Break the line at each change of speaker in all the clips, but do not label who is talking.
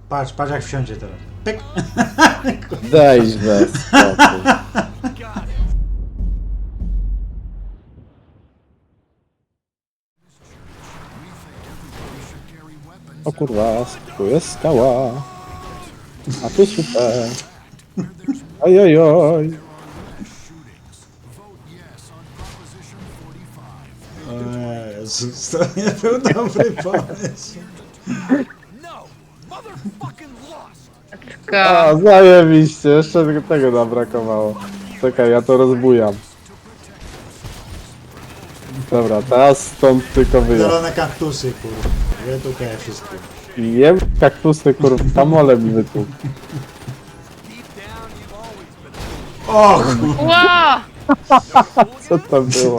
Patrz, patrz jak wsiądzie teraz. Pyk!
Dajś bez spokój. O kurwa, tu jest skała. A tu super. Ojojoj.
O Jezus, to nie był dobry pomysł.
A, zajebiście, jeszcze tylko tego nam brakowało. Czekaj, ja to rozbujam. Dobra, teraz stąd tylko wyjazd.
Zielone kaktusy, kurwa. Ja tutaj wszystko.
Jem kaktusy, kurwa, kamole mi wytłukł.
O kurwa.
Ła!
Co to było?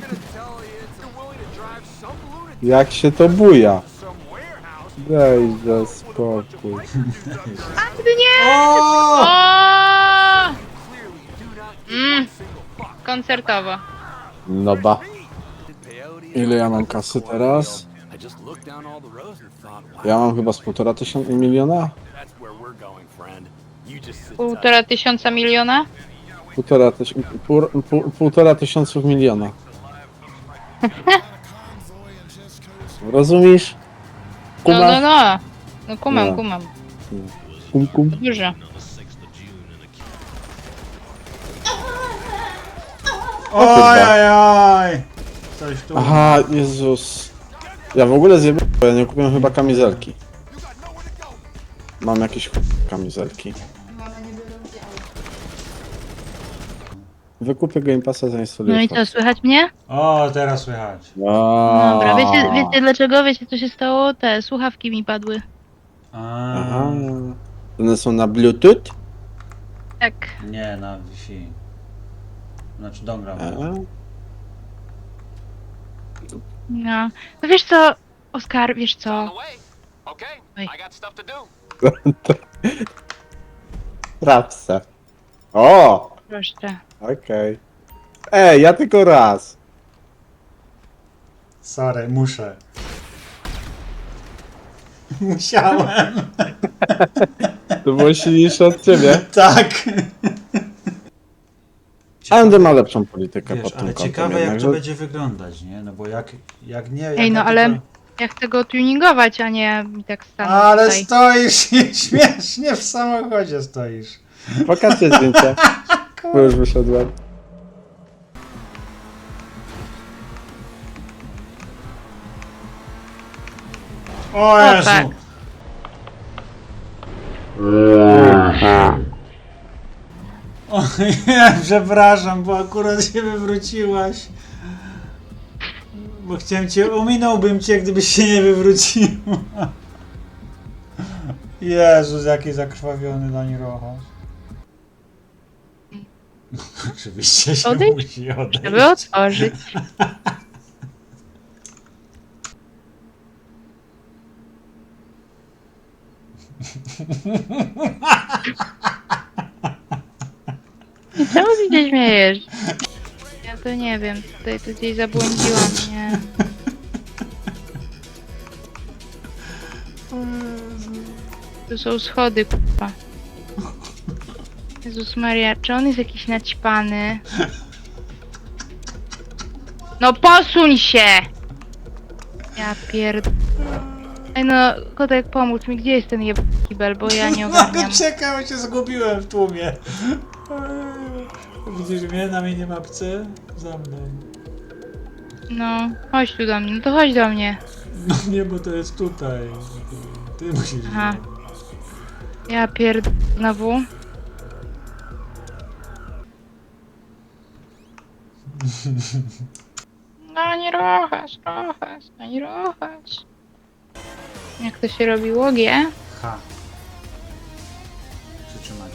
Jak się to buja? Dajże spokój.
Nie!
O!
O! Koncertowo.
No ba. Ile ja mam kasy teraz? Ja mam chyba z 1,5 miliona?
1,5 miliona?
1,5 tysiąców miliona. Rozumiesz?
No,
Kumasz?
no, no. No kumam,
No.
kumam.
Kum, kum.
Dużo.
Ojojoj! Coś tu.
Aha, Jezus. Ja w ogóle zjebałem, bo ja nie kupiłem chyba kamizelki. Mam jakieś kamizelki. Wykupię Game Passa, zainstaluję.
No i co, słychać mnie?
O, teraz słychać.
Dobra, wiecie dlaczego? Wiecie co się stało? Te słuchawki mi padły.
Aha. One są na Bluetooth?
Tak.
Nie, na Wi-Fi. Znaczy dongra.
No. No wiesz co, Oskar, wiesz co? Oj.
Rapsa. O!
Proszę.
Okej. Ej, ja tylko raz.
Sorry, muszę. Musiałem.
To było silniejsze od ciebie.
Tak.
AMD ma lepszą politykę
Wiesz,
pod tym
ale
kątem
ciekawe jak
jednak,
to
że-
będzie wyglądać, nie? No bo jak nie... Jak
Ej, no
ja
ale
tylko-
ja chcę go tuningować, a nie mi tak stanąć
Ale
tutaj.
stoisz i śmiesznie w samochodzie stoisz.
Pokażcie zdjęcie. Bo już wyszedłem.
O
O,
Jezu!
tak.
O nie, przepraszam, bo akurat się wywróciłaś. Bo chciałem cię, ominąłbym cię, gdybyś się nie wywróciła. Jezus, jaki zakrwawiony Dani Rochas. Oczywiście się
Odejdź?
musi odejść.
Żeby otworzyć. I czemu ty się śmiejesz? Ja to nie wiem, tutaj to gdzieś zabłądziłam, nie? Tu są schody, k***a. Jezus Maria, czy on jest jakiś naćpany? No posuń się! Ja pierd... Ej no, kotek pomóż mi, gdzie jest ten jeb... kibel, bo ja nie ogarniam.
No czekaj, bo cię zgubiłem w tłumie. Widzisz mnie na minimapce? Za mną.
No, chodź tu do mnie, no to chodź do mnie.
No nie, bo to jest tutaj. Ty musisz.
Aha. Ja pierd... znowu. No nie rochasz, no nie rochasz. Jak to się robiło, G?
Ha. Przytrzymać.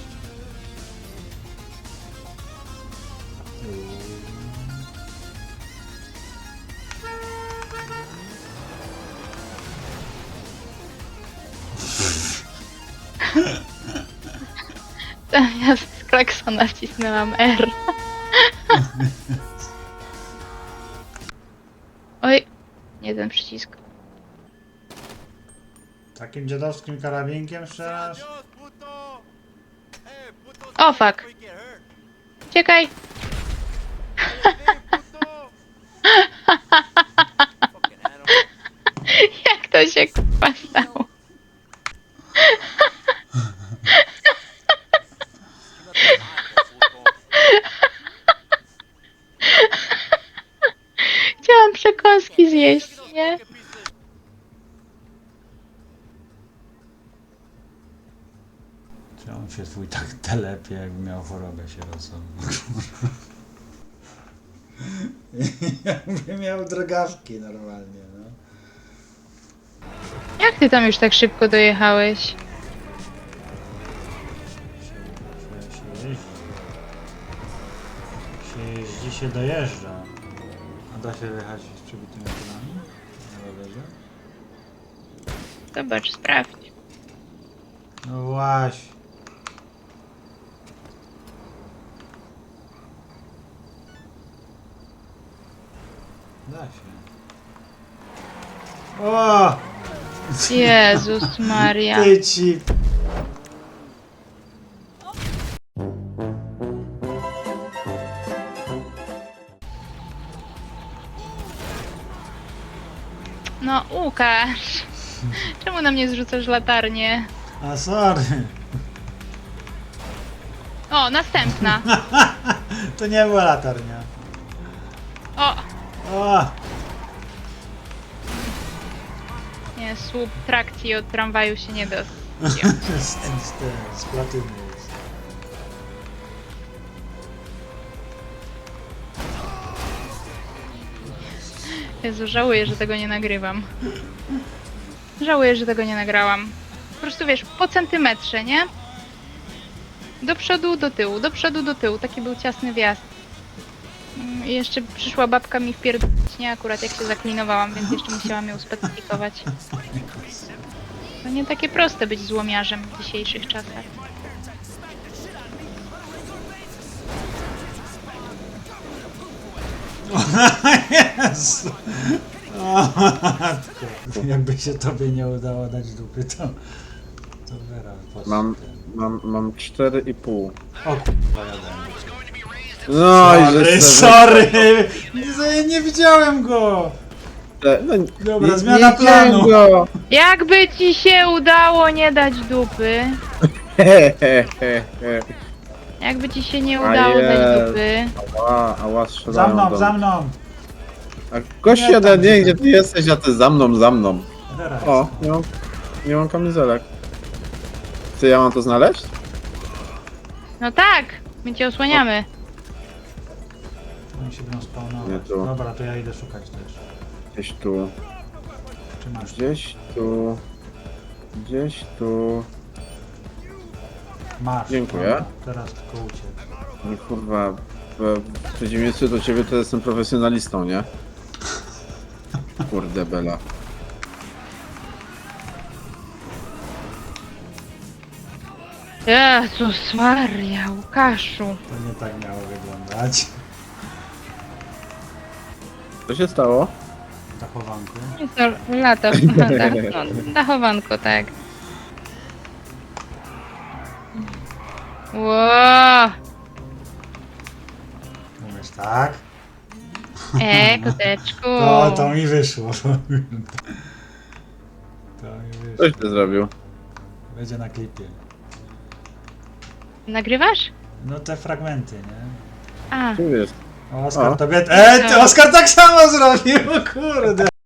Ja z klaksona wcisnęłam R. Oj, nie ten przycisk.
Takim dziadowskim karabinkiem jeszcze raz?
O fuck. Uciekaj. Jak to się k***a stało? Chciałam przekąski zjeść, nie?
Czy on się twój tak telepie, jakby miał chorobę sierocą? Jakby miał drogawki normalnie, no.
Jak ty tam już tak szybko dojechałeś?
Się jeździ. Się jeździ, się dojeżdża. A da się jechać z przybitymi kolami? Na rowerze?
Zobacz, sprawdź.
No właśnie. Da się. O!
Jezus Maria.
Ty ci...
No, Łukasz. Czemu na mnie zrzucasz latarnię?
A sorry.
O, następna.
To nie była latarnia.
O,
O!
nie, słup trakcji od tramwaju się nie da.
Z platyny jest.
Jezu, żałuję, że tego nie nagrywam. Żałuję, że tego nie nagrałam. Po prostu wiesz, po centymetrze, nie? Do przodu, do tyłu, do przodu, do tyłu. Taki był ciasny wjazd. I jeszcze przyszła babka mi wpierdolić, nie? Akurat jak się zaklinowałam, więc jeszcze musiałam ją specyfikować. To nie takie proste być złomiarzem w dzisiejszych czasach.
Jezu. O, matko. Jakby się tobie nie udało dać dupy, to Vera
Mam 4,5.
O kurwa, jadę.
No i
Sorry,
że
sorry! Nie widziałem go!
No,
Dobra, zmiana planu.
Go.
Jakby ci się udało nie dać dupy, jakby ci się nie udało dać
jest.
dupy,
Ała, strzelają
Za mną,
do
za
mnie.
mną!
A gościu,
Nie, tam
nie, gdzie ty jesteś, a ty za mną.
Vera
O,
jest.
nie mam kamizelek. Czy ja mam to znaleźć?
no tak, my cię osłaniamy.
Oni się będą
Nie
spawnować.
tu.
Dobra, to ja idę szukać też.
Gdzieś tu,
Czy masz?
gdzieś tu.
Masz.
Dziękuję.
Dobra, teraz tylko uciec.
No kurwa, w przeciwieństwie do ciebie to jestem profesjonalistą, nie? Kurde bela.
Jezus Maria, Łukaszu.
To nie tak miało wyglądać.
Co się stało?
Dachowanku.
Jest to lata, no, dachowanko, tak. Ło,
Umiesz tak?
koteczku.
To mi wyszło. To mi wyszło.
Coś ty zrobił.
Będzie na klipie.
Nagrywasz?
No te fragmenty, nie?
A,
Tu jest.
O, Oskar
O.
tobie... ty Oskar tak samo zrobił, kurde!